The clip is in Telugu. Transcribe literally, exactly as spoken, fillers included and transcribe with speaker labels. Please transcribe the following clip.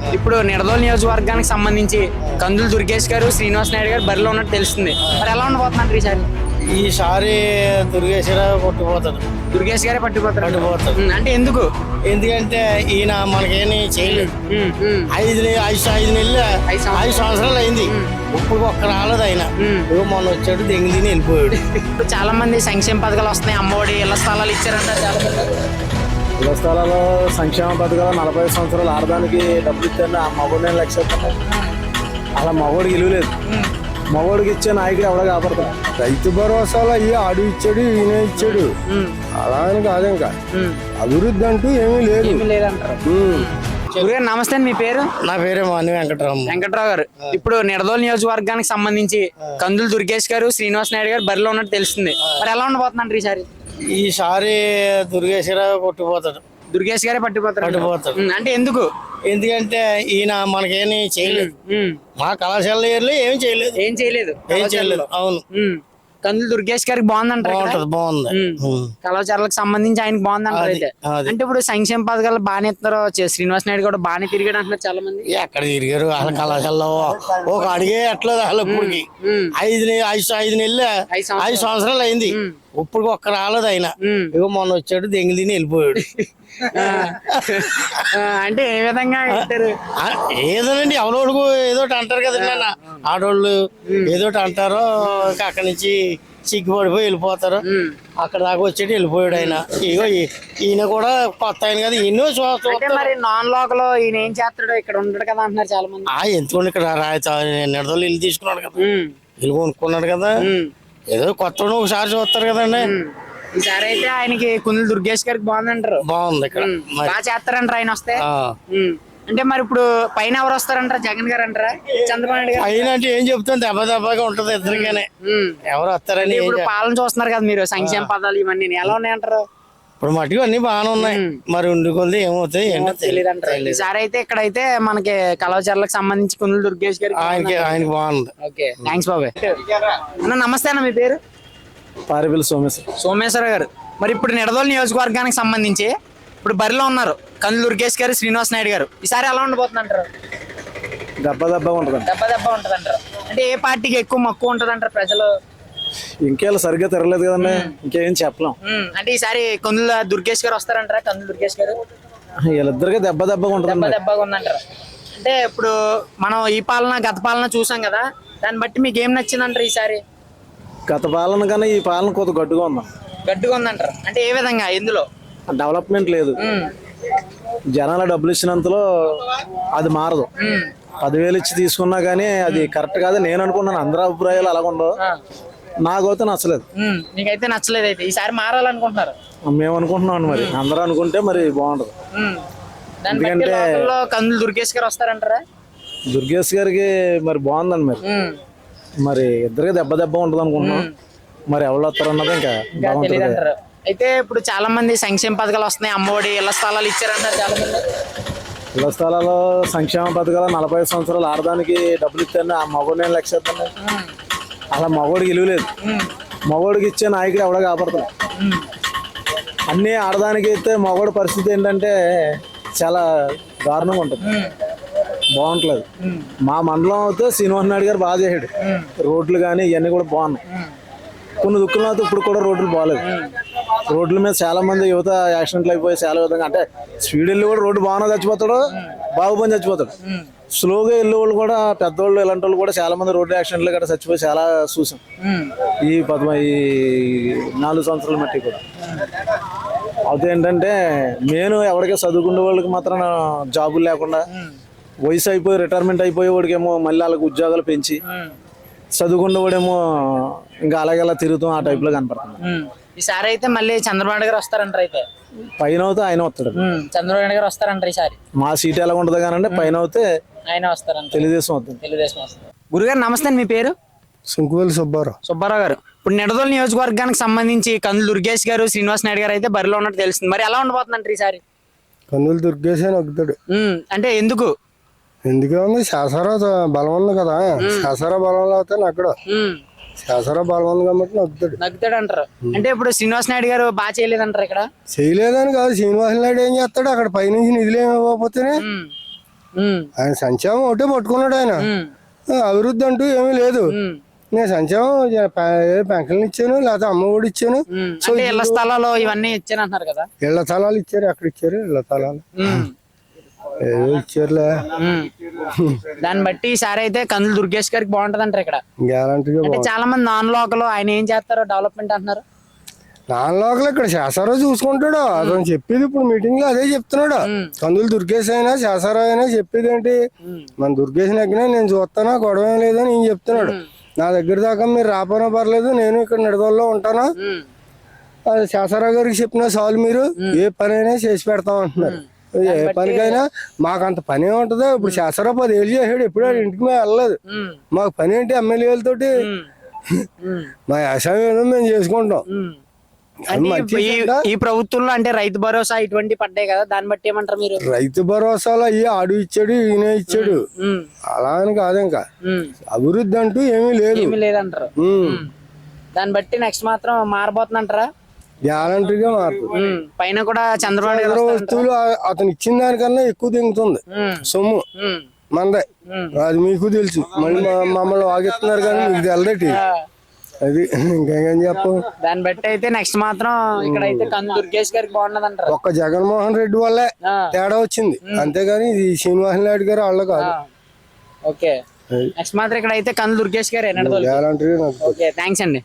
Speaker 1: ఇప్పుడు నిడదోలు నియోజకవర్గానికి సంబంధించి కందులు దుర్గేష్ గారు శ్రీనివాస్ నాయుడు గారు బరిలో ఉన్నట్టు తెలుస్తుంది. మరి ఎలా ఉండబోతున్నారు ఈసారి?
Speaker 2: ఈసారి దుర్గేశ్వర కొట్టుకుపోతాడు.
Speaker 1: దుర్గేష్ గారే పట్టుకుపోతారు.
Speaker 2: పట్టుకుపోతాడు
Speaker 1: అంటే ఎందుకు?
Speaker 2: ఎందుకంటే ఈయన మనకేమి చేయలేదు. ఐదు నె- ఐదు ఐదు నెలలు ఐదు సంవత్సరాలు అయింది. ఇప్పుడు ఒక్క రాలేదు ఆయన. ఇగో మొన్న వచ్చాడు, దెంగి తిని వెళ్ళిపోయాడు.
Speaker 1: ఇప్పుడు చాలా మంది సంక్షేమ పథకాలు వస్తున్నాయి, అమ్మఒడి ఇళ్ల స్థలాలు ఇచ్చారంటారు చాలా మంది.
Speaker 3: ఇళ్ల స్థలాల్లో సంక్షేమ పథకాలు నలభై సంవత్సరాలు ఆడదానికి డబ్బులు ఇచ్చారు. ఆ మగోడిని లక్ష అలా మగోడికి విలువ లేదు. మగోడికి ఇచ్చే నాయకుడు ఎవడో కాపాడతాడు.
Speaker 4: రైతు భరోసాలో అయ్యి ఆడు ఇచ్చాడు, ఈయన ఇచ్చాడు, అలా అని కాదు. ఇంకా అభివృద్ధి అంటూ ఏమీ లేదు.
Speaker 1: ఏమీ లేదంటారు. గురుగారు నమస్తే అండి, మీ పేరు?
Speaker 2: నా పేరే మాని వెంకటరామ.
Speaker 1: వెంకట్రావు గారు, ఇప్పుడు నిడదోలు నియోజకవర్గానికి సంబంధించి కందులు దుర్గేష్ గారు శ్రీనివాస్ నాయుడు గారు బరిలో ఉన్నట్టు తెలుస్తుంది. మరి ఎలా ఉండబోతున్నారు ఈసారి?
Speaker 2: ఈసారి దుర్గేశ్వర కొట్టుకుపోతాడు.
Speaker 1: దుర్గేష్ గారే పట్టుకుపోతారు.
Speaker 2: పట్టుకుపోతాడు.
Speaker 1: అంటే ఎందుకు?
Speaker 2: ఎందుకంటే ఈయన మనకేమి చేయలేదు. మా కళాశాలలో ఏమి చేయలేదు.
Speaker 1: ఏం చేయలేదు.
Speaker 2: ఏం చేయలేదు. అవును.
Speaker 1: కందులు దుర్గేష్ గారికి బాగుందంటారు.
Speaker 2: బాగుంటది, బాగుంది.
Speaker 1: కళాశాలకు సంబంధించి ఆయనకి బాగుందంటారు. అయితే అంటే ఇప్పుడు సంక్షేమ పథకాలు బాగానే ఇస్తున్నారు. శ్రీనివాస్ నాయుడు కూడా బాగానే తిరిగాడు అంటున్నారు చాలా మంది.
Speaker 2: ఎక్కడ తిరిగారు వాళ్ళ కళాశాలలో? ఒక అడిగే ఎట్లేదు అసలు. ఇప్పటికి ఐదు నె- ఐదు ఐదు నెలలు ఐదు సంవత్సరాలు అయింది. ఇప్పుడు ఒక్క రాలేదు ఆయన. ఇగో మొన్న వచ్చాడు, దెంగి తిని వెళ్ళిపోయాడు.
Speaker 1: అంటే ఏ విధంగా ఇస్తారు?
Speaker 2: ఏదోనండి, ఎవరోడుకు ఏదోటి అంటారు కదండి నాన్న. ఆడోళ్ళు ఏదోటి అంటారో అక్కడి నుంచి సిగ్గుపడిపోయి వెళ్ళిపోతారు. అక్కడ దాకా వచ్చేటి వెళ్ళిపోయాడు ఆయన. ఇగో ఈ- ఈయన కూడా కొత్త ఆయన కదా, ఎన్నో
Speaker 1: అంటే మరి నాన్ లోకల్ ఈయన ఏం చేస్తాడో ఇక్కడ ఉండడు కదా అంటున్నారు చాలా మంది.
Speaker 2: ఆ ఎందుకండి ఇక్కడ నిడదలు ఇల్లు తీసుకున్నాడు కదా, ఇల్లు కొనుక్కున్నాడు కదా. ఏదో కొత్త ఒకసారి చూస్తారు కదండి.
Speaker 1: ఈసారి అయితే ఆయనకి కుందులు దుర్గేష్ గారికి బాగుందంటారు.
Speaker 2: బాగుంది ఇక్కడ.
Speaker 1: బాగా చేస్తారంటారు ఆయన వస్తే. అంటే మరి ఇప్పుడు పైన ఎవరు వస్తారంటారా? జగన్ గారు అంటారా, చంద్రబాబు నాయుడు గారు?
Speaker 2: పైన అంటే ఏం చెప్తాను, దెబ్బ దెబ్బగా ఉంటది ఇద్దరికనే. ఎవరు వస్తారని
Speaker 1: ఇప్పుడు పాలన చూస్తున్నారు కదా మీరు, సంక్షేమ పదాలు ఇవన్నీ ఎలా ఉన్నాయంటారు?
Speaker 2: ఇప్పుడు మటుకు అన్ని బాగానే ఉన్నాయి. మరి ఉండుకొంది ఏమవుతాయి ఏంటో
Speaker 1: తెలియదు అంటారు. ఈసారి అయితే ఇక్కడైతే మనకి కలవచర్లకు సంబంధించి కుందులు దుర్గేష్ గారికి
Speaker 2: ఆయనకి ఆయనకి బాగుంది.
Speaker 1: ఓకే, థ్యాంక్స్ బాబాయ్. అన్న నమస్తే అన్న, మీ పేరు?
Speaker 3: పారిపల్లి సోమేశ్వర.
Speaker 1: సోమేశ్వర గారు, మరి ఇప్పుడు నిడదోలు నియోజకవర్గానికి సంబంధించి ఇప్పుడు బరిలో ఉన్నారు కందులు దుర్గేష్ గారు, శ్రీనివాస్ నాయుడు గారు. ఈసారి ఎలా ఉండబోతుంది అంటారు?
Speaker 3: దెబ్బ దెబ్బగా ఉంటుంది.
Speaker 1: దెబ్బ దెబ్బ ఉంటది అంటారు. అంటే ఏ పార్టీకి ఎక్కువ మక్కువ ఉంటది అంటారు ప్రజలు?
Speaker 3: ఇంకేళ్ళు సరిగ్గా తిరగలేదు కదండి, ఇంకేం చెప్పలేం.
Speaker 1: అంటే ఈసారి కందుల దుర్గేష్ గారు వస్తారంటారా? కందులు దుర్గేష్ గారు
Speaker 3: వీళ్ళిద్దరికి దెబ్బ దెబ్బగా
Speaker 1: దెబ్బ
Speaker 3: ఉంటుంది.
Speaker 1: దెబ్బగా ఉందంటారు. అంటే ఇప్పుడు మనం ఈ పాలన గత పాలన చూసాం కదా, దాన్ని బట్టి మీకు ఏం నచ్చిందంటారు ఈసారి?
Speaker 3: గత పాలన కన్నా ఈ పాలన కొద్ది గట్టుగా ఉందా.
Speaker 1: గట్టిగా ఉందంటారు. అంటే ఏ విధంగా, ఎందులో?
Speaker 3: డెవలప్మెంట్ లేదు. జనాల డబ్బులు ఇచ్చినంతలో అది మారదు. పదివేలు ఇచ్చి తీసుకున్నా కానీ అది కరెక్ట్ కాదు నేను అనుకున్నాను. అందరి అభిప్రాయాలు అలాగుండవు, నాకైతే నచ్చలేదు.
Speaker 1: నీకైతే నచ్చలేదు. అయితే ఈసారి మారాలనుకుంటున్నారు?
Speaker 3: మేము అనుకుంటున్నాం. మరి అందరూ అనుకుంటే మరి బాగుంటది.
Speaker 1: ఎందుకంటే కందులు దుర్గేష్ గారు వస్తారంటారా?
Speaker 3: దుర్గేష్ గారికి మరి బాగుందండి. మరి మరి ఇద్దరికి దెబ్బ దెబ్బ ఉంటుంది అనుకుంటున్నాం. మరి ఎవరు వస్తారు అన్నది ఇంకా
Speaker 1: తెలియదు అంటారు. అయితే ఇప్పుడు చాలా మంది సంక్షేమ పథకాలు వస్తున్నాయి, అమ్మఒడి ఇళ్ల స్థలాలు ఇచ్చారంటారు చాలా మంది.
Speaker 3: ఇళ్ల స్థలాల్లో సంక్షేమ పథకాలు నలభై సంవత్సరాలు ఆడదానికి డబ్బులు ఇచ్చారు. ఆ మగోడిని లక్ష అలా మగోడికి విలువ లేదు. మగోడికి ఇచ్చే నాయకుడు ఎవడో కాపాడతాడు. అన్నీ ఆడదానికి ఇస్తే మగోడి పరిస్థితి ఏంటంటే చాలా దారుణంగా ఉంటుంది, బాగుంటలేదు. మా మండలం అయితే శ్రీనివాస్ నాయుడు గారు బాగా చేసాడు. రోడ్లు కానీ ఇవన్నీ కూడా బాగున్నాయి. కొన్ని దుక్కులు అయితే ఇప్పుడు కూడా రోడ్లు బాగాలేదు. రోడ్ల మీద చాలా మంది యువత యాక్సిడెంట్లు అయిపోయి చాలా విధంగా, అంటే స్పీడ్ వెళ్ళి కూడా రోడ్డు బాగానే చచ్చిపోతాడు, బాగుపని చచ్చిపోతాడు. స్లోగా వెళ్ళే వాళ్ళు కూడా, పెద్దవాళ్ళు ఇలాంటి వాళ్ళు కూడా చాలా మంది రోడ్డు యాక్సిడెంట్లు గట్రా చచ్చిపోయి చాలా చూసాం ఈ పదమ ఈ నాలుగు సంవత్సరాల మట్టి కూడా. అయితే ఏంటంటే నేను ఎవరికీ చదువుకునే వాళ్ళకి మాత్రం జాబులు లేకుండా, వయసు అయిపోయి రిటైర్మెంట్ అయిపోయే వాడికేమో మళ్ళీ వాళ్ళకి ఉద్యోగాలు పెంచి, చదువుకున్న వాడేమో ఇంకా అలాగే అలా తిరుగుతాం ఆ టైప్ లో కనపడుతుంది.
Speaker 1: ఈసారి అయితే మళ్ళీ చంద్రబాబు నాయుడు గారు వస్తారంటారు. అయితే
Speaker 3: పైన అవుతే ఆయన వస్తాడు.
Speaker 1: చంద్రబాబు నాయుడు గారు వస్తారంటారు ఈసారి.
Speaker 3: మా సీట్ ఎలా ఉంటుంది కానీ పైన అవుతే
Speaker 1: ఆయన వస్తారంట.
Speaker 3: తెలుగుదేశం అవుతుంది.
Speaker 1: తెలుగుదేశం వస్తుంది. గురుగారు నమస్తే, మీ పేరు?
Speaker 4: సుంకువేలి సుబ్బారావు.
Speaker 1: సుబ్బారావు గారు, ఇప్పుడు నిడదోలు నియోజకవర్గానికి సంబంధించి కందులు దుర్గేష్ గారు, శ్రీనివాస్ నాయుడు గారు అయితే బరిలో ఉన్నట్టు తెలుస్తుంది. మరి ఎలా ఉండబోతుందంటారు ఈసారి?
Speaker 4: కందులు దుర్గేష్ అని వగ్గుతాడు.
Speaker 1: అంటే ఎందుకు?
Speaker 4: ఎందుకే ఉంది, శాసరా బలం ఉంది కదా, శాసరా బలం అయితే నక్కడు. శాసరా బలం ఉంది కాబట్టి నగ్గుతాడు.
Speaker 1: నగ్గుతాడు అంటారు. అంటే ఇప్పుడు శ్రీనివాస్ నాయుడు గారు బాగా చేయలేదంటారు ఇక్కడ?
Speaker 4: చేయలేదని కాదు, శ్రీనివాస నాయుడు ఏం చేస్తాడు, అక్కడ పైనుంచి నిధులు ఏమి ఇవ్వకపోతేనే
Speaker 1: ఉమ్,
Speaker 4: ఆయన సంక్షేమం ఒకటే పట్టుకున్నాడు ఆయన.
Speaker 1: ఉమ్,
Speaker 4: అభివృద్ధి అంటూ ఏమీ లేదు.
Speaker 1: ఉమ్,
Speaker 4: నేను సంక్షేమం పెన్షన్లు ఇచ్చాను, లేకపోతే అమ్మ ఒడి ఇచ్చాను.
Speaker 1: ఉమ్. అంటే ఇళ్ల స్థలాలు ఇవన్నీ ఇచ్చానంటున్నారు కదా.
Speaker 4: ఇళ్ల స్థలాలు ఇచ్చారు, ఎక్కడ ఇచ్చారు ఇళ్ల స్థలాలు?
Speaker 1: ఉమ్,
Speaker 4: ఏదో ఇచ్చారులే.
Speaker 1: ఉమ్. దాన్ని బట్టి ఈసారి అయితే కందులు దుర్గేష్ గారికి బాగుంటది అంటారు ఇక్కడ.
Speaker 4: గ్యారంటీగా
Speaker 1: అంటే చాలా మంది నాన్ లోకల్ ఆయన ఏం చేస్తారో డెవలప్మెంట్ అంటున్నారు.
Speaker 4: నాలుగు ఇక్కడ శాసరావు చూసుకుంటాడు. అతను చెప్పేది ఇప్పుడు మీటింగ్ లో అదే చెప్తున్నాడు. కందులు దుర్గేష్ అయినా శాసరావు అయినా చెప్పేది ఏంటి, మన దుర్గేష్ నగ్గినా నేను చూస్తానా, గొడవ ఏం లేదని ఈయన చెప్తున్నాడు. నా దగ్గర దాకా మీరు రాపోనా పర్లేదు, నేను ఇక్కడ నిడదల్లో ఉంటాను,
Speaker 1: ఉమ్,
Speaker 4: అది శాసరావు గారికి చెప్పినా చాలు, మీరు ఏ పని అయినా చేసి పెడతాం అంటున్నారు. ఏ పనికైనా మాకు అంత పని ఏముంటుందో. ఇప్పుడు శాసరావు పది ఏళ్ళు చేసాడు, ఎప్పుడు ఆడు ఇంటికి మేము వెళ్ళలేదు.
Speaker 1: ఉమ్,
Speaker 4: మాకు పని ఏంటి ఎమ్మెల్యేలతోటి?
Speaker 1: ఉమ్, ఉమ్,
Speaker 4: మా వ్యవసాయం ఏదో మేము చేసుకుంటాం.
Speaker 1: ఉమ్. అంటే ఈ- ఈ ప్రభుత్వంలో అంటే రైతు భరోసా ఇటువంటి పడ్డాయి కదా, దాన్ని బట్టి ఏమంటారు మీరు?
Speaker 4: రైతు భరోసాలో అయ్యి ఆడు ఇచ్చాడు, ఈయన ఇచ్చాడు,
Speaker 1: ఉమ్,
Speaker 4: అలా అని కాదు. ఇంకా
Speaker 1: ఉమ్.
Speaker 4: అభివృద్ధి అంటూ ఏమీ లేదు.
Speaker 1: ఏమీ లేదంటారు.
Speaker 4: ఉమ్.
Speaker 1: ఉమ్. దాన్ని బట్టి నెక్స్ట్ మాత్రం మారబోతుందంటారా?
Speaker 4: గ్యారంటీగా మారుతుంది.
Speaker 1: ఉమ్. పైన కూడా చంద్రబాబు నాయుడు
Speaker 4: ఇతర
Speaker 1: గారు
Speaker 4: వస్తువులు ఆ- అతను ఇచ్చిన దానికన్నా ఎక్కువ దింగుతుంది
Speaker 1: ఉమ్,
Speaker 4: సొమ్ము
Speaker 1: ఉమ్,
Speaker 4: మందే.
Speaker 1: ఉమ్.
Speaker 4: అది మీకు తెలుసు. మళ్ళీ మా- మమ్మల్ని వాగిస్తున్నారు కానీ మీకు తెలదటి.
Speaker 1: ఆ,
Speaker 4: అది ఇంకేం చెప్పు.
Speaker 1: దాన్ని బట్టి అయితే నెక్స్ట్ మాత్రం ఇక్కడ అయితే కందు దుర్గేష్ గారికి బాగున్నది అంటారు.
Speaker 4: ఒక్క జగన్మోహన్ రెడ్డి వల్లే
Speaker 1: ఆ,
Speaker 4: తేడా వచ్చింది, అంతేగాని ఇది శ్రీనివాస నాయుడు గారు వాళ్ళు కాదు.
Speaker 1: ఆ. ఓకే, నెక్స్ట్ మాత్రం ఇక్కడ అయితే కందు దుర్గేష్ గారు ఎన్నడదోలు.
Speaker 4: గ్యారంటీగా నాకు
Speaker 1: ఓకే, థ్యాంక్స్ అండి.